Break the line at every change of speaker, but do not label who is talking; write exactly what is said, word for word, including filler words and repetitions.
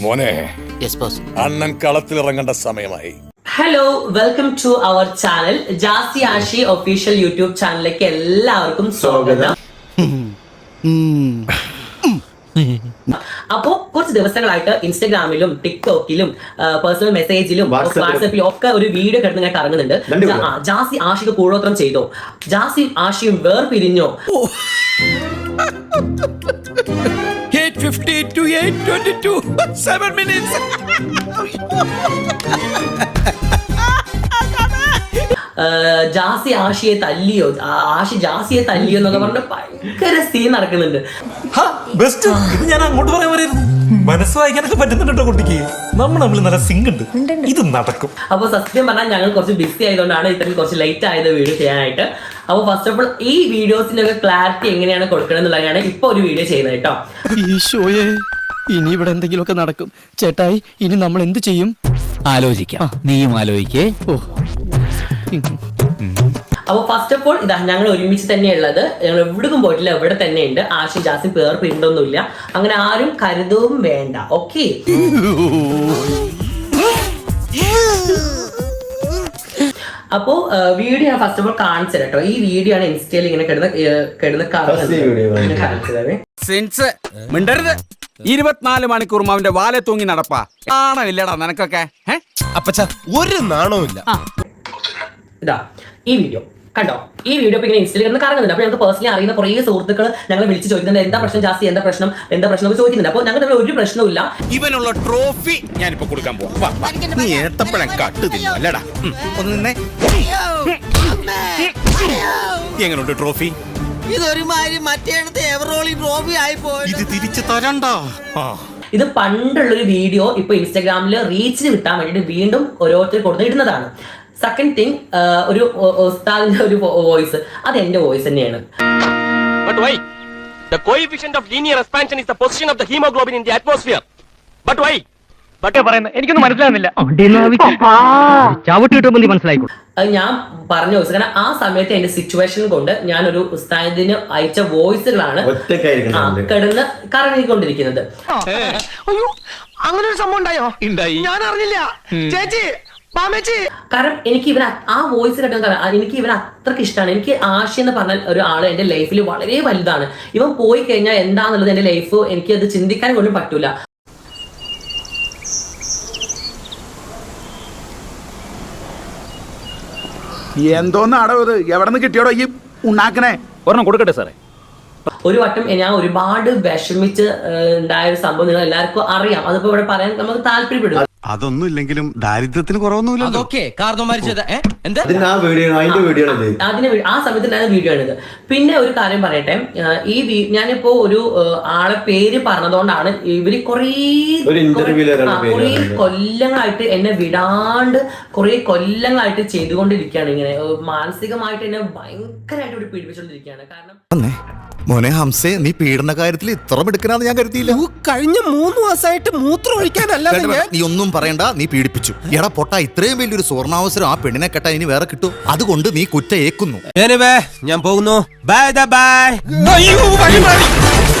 മോനെ അണ്ണൻ കളത്തിലിറങ്ങേണ്ട സമയമായി.
Hello, welcome to our channel Jasi Ashi official YouTube ചാനലിലേക്ക് എല്ലാവർക്കും സ്വാഗതം. അപ്പോ കുറച്ച് ദിവസങ്ങളായിട്ട് ഇൻസ്റ്റഗ്രാമിലും ടിക്ടോക്കിലും പേഴ്സണൽ മെസ്സേജിലും വാട്സാപ്പിലും ഒക്കെ ഒരു വീഡിയോ കിടന്ന് ഇങ്ങനെ കറങ്ങുന്നുണ്ട്. ജാസി ആഷിക്ക് കൂടോത്രം ചെയ്തോ, Jassie ആഷിയും വേർപിരിഞ്ഞോ.
eight fifty to eight twenty-two seven minutes.
Jassie ആഷിയെ തല്ലിയോ, Ashi ജാസിയെ തല്ലിയോ എന്നൊക്കെ പറഞ്ഞ ഭയങ്കര സീൻ നടക്കുന്നുണ്ട്.
ഇത് ഞാൻ അങ്ങോട്ട് പറയാൻ പറയുന്നു. മനസ്സ് വായിക്കാനൊക്കെ പറ്റുന്നുണ്ടോ കുട്ടിക്ക്? നമ്മൾ നമ്മൾ നല്ല സിങ്ക് ഉണ്ട്, ഇത് നടക്കും.
അപ്പൊ സത്യം പറഞ്ഞാൽ ഞങ്ങൾ കുറച്ച് ബിസി ആയതുകൊണ്ടാണ് ഇത്രയും കുറച്ച് ലേറ്റ് ആയത് വീഡിയോ ചെയ്യാനായിട്ട്. അപ്പൊ ഫസ്റ്റ് ഓഫ് ഓൾ ഈ വീഡിയോസിന്റെ ഒക്കെ ക്ലാരിറ്റി എങ്ങനെയാണ് കൊടുക്കണം എന്നുള്ളതാണ് ഇപ്പൊ ഒരു വീഡിയോ ചെയ്യുന്നത് കേട്ടോ.
ഈശോയെ, ഇനി ഇവിടെ എന്തെങ്കിലുമൊക്കെ നടക്കും. ചേട്ടായി, ഇനി നമ്മൾ എന്ത് ചെയ്യും?
ആലോചിക്കാം, നീയും ആലോചിക്കേ. ഓ,
അപ്പൊ ഫസ്റ്റ് ഓഫ് ഓൾ ഇതാ ഞങ്ങൾ ഒരുമിച്ച് തന്നെയുള്ളത്. ഞങ്ങൾ എവിടേക്കും പോയിട്ടില്ല, എവിടെ തന്നെ ഉണ്ട്. ആഷി ജാസി പേർ പിണ്ടൊന്നുമില്ല, അങ്ങനെ ആരും കരുതവും വേണ്ട. ഓക്കെ, അപ്പോ വീഡിയോ ഞാൻ ഫസ്റ്റ് ഓഫ് ഓൾ കാണിച്ചു കേട്ടോ. ഈ വീഡിയോ ആണ് ഇൻസ്റ്റയിൽ ഇങ്ങനെ കിടന്ന് കിടന്ന്
മിണ്ടരുത്. ഇരുപത്തിനാല് മണിക്കൂർ അവന്റെ വാലെ തൂങ്ങി നടപ്പാ. നാണമില്ലടാ നിനക്കൊക്കെ.
അപ്പച്ച ഒരു നാണവുമില്ല.
ഇതാ ഈ വീഡിയോ കണ്ടോ. ഈ വീഡിയോ ഇപ്പൊ ഇങ്ങനെ ഇൻസ്റ്റയിൽ കിടന്ന് കറങ്ങുന്നുണ്ട്. അപ്പൊ ഞങ്ങൾക്ക് പേഴ്സണലി അറിയുന്ന കുറേ സുഹൃത്തുക്കൾ ഞങ്ങൾ വിളിച്ച് ചോദിക്കുന്നുണ്ട്, എന്താ പ്രശ്നം ജാസി, എന്താ പ്രശ്നം, എന്താ പ്രശ്നം എന്ന് ചോദിക്കുന്നുണ്ട്. അപ്പൊ ഞങ്ങൾ ഒരു പ്രശ്നമില്ല.
ഇവനുള്ള ട്രോഫി ഞാനിപ്പോ കൊടുക്കാൻ പോവാ. നീ ഏത്തപ്പഴം കട്ടുതില്ല അല്ലടാ. ഒന്ന് എങ്ങനെയുണ്ട് ട്രോഫി?
ഇതൊരുമാതിരി മറ്റേടത്തെ എവറോളി ട്രോഫി ആയിപ്പോയി.
ഇത് തിരിച്ചു തരണ്ടോ?
ഇത് പണ്ടുള്ളൊരു വീഡിയോ ഇപ്പൊ ഇൻസ്റ്റാഗ്രാമിൽ റീച്ചിന് കിട്ടാൻ വേണ്ടിട്ട് വീണ്ടും ഓരോരുത്തർ കൊടുത്ത് ഇടുന്നതാണ്. സെക്കൻഡ് തിങ്, ഒരു ഉസ്താദിന്റെ ഒരു വോയിസ്, അത് എന്റെ വോയിസ് തന്നെയാണ്.
But why? The coefficient of linear expansion is the position of the hemoglobin in the atmosphere. But why?
എനിക്കൊന്നും മനസ്സിലാവുന്നില്ല. ചവിട്ടി കിട്ടുമ്പോൾ നീ മനസ്സിലായിക്കോ.
ഞാൻ പറഞ്ഞ വോയിസ്, കാരണം ആ സമയത്ത് എന്റെ സിറ്റുവേഷൻ കൊണ്ട് ഞാൻ ഒരു ഉസ്താദിന് അയച്ച വോയിസുകളാണ് കിടന്ന് കറങ്ങിക്കൊണ്ടിരിക്കുന്നത്.
അങ്ങനെ ഒരു സംഭവം ഉണ്ടായോ? ഞാൻ അറിഞ്ഞില്ല ചേച്ചി.
കാരണം എനിക്ക് ഇവൻ ആ വോയിസ് കേട്ടോ, എനിക്ക് ഇവൻ അത്രക്ക് ഇഷ്ടമാണ്. എനിക്ക് ആഷി എന്ന് പറഞ്ഞ ഒരു ആള് എന്റെ ലൈഫിൽ വളരെ വലുതാണ്. ഇവൻ പോയി കഴിഞ്ഞാൽ എന്താന്നുള്ളത് എന്റെ ലൈഫ് എനിക്ക് അത് ചിന്തിക്കാൻ പോലും പറ്റൂല.
എന്തോന്നാടോ ഇത്? എവിടെ നിന്ന് കിട്ടിയോടോ ഈ ഉണ്ടാക്കണേ?
ഒരെണ്ണം കൊടുക്കട്ടെ സാറേ.
ഒരു വട്ടം ഞാൻ ഒരുപാട് വിഷമിച്ച് ഉണ്ടായ ഒരു സംഭവം നിങ്ങൾ എല്ലാവർക്കും അറിയാം. അതിപ്പോ ഇവിടെ പറയാൻ നമുക്ക് താല്പര്യപ്പെടും.
അതൊന്നും ഇല്ലെങ്കിലും ദാരിദ്ര്യത്തിന് കുറവൊന്നുമില്ല.
അതിന് ആ സമയത്ത് ഉണ്ടായിരുന്ന വീഡിയോ ആണിത്. പിന്നെ ഒരു കാര്യം പറയട്ടെ, ഈ ഞാനിപ്പോ ഒരു ആളെ പേര് പറഞ്ഞതുകൊണ്ടാണ് ഇവര് കുറേ കുറേ കൊല്ലങ്ങളായിട്ട് എന്നെ വിടാണ്ട് കുറേ കൊല്ലങ്ങളായിട്ട് ചെയ്തുകൊണ്ടിരിക്കുകയാണ്. ഇങ്ങനെ മാനസികമായിട്ട് എന്നെ ഭയങ്കരമായിട്ട് ഇവിടെ പീഡിപ്പിച്ചുകൊണ്ടിരിക്കുകയാണ്. കാരണം
മോനെ ഹംസേ, നീ പീഡന കാര്യത്തിൽ ഇത്ര എടുക്കണമെന്ന് ഞാൻ കരുതിയില്ല.
കഴിഞ്ഞ മൂന്ന് മാസമായിട്ട് മൂത്രം ഒഴിക്കാനല്ല.
നീ ഒന്നും പറയണ്ട, നീ പീഡിപ്പിച്ചു. എടാ പൊട്ടാ, ഇത്രയും വലിയൊരു സുവർണാവസരം ആ പെണ്ണിനെ കെട്ടാൻ ഇനി വേറെ കിട്ടും. അതുകൊണ്ട് നീ കുറ്റ ഏക്കുന്നു.
ഞാൻ പോകുന്നു. Bye by.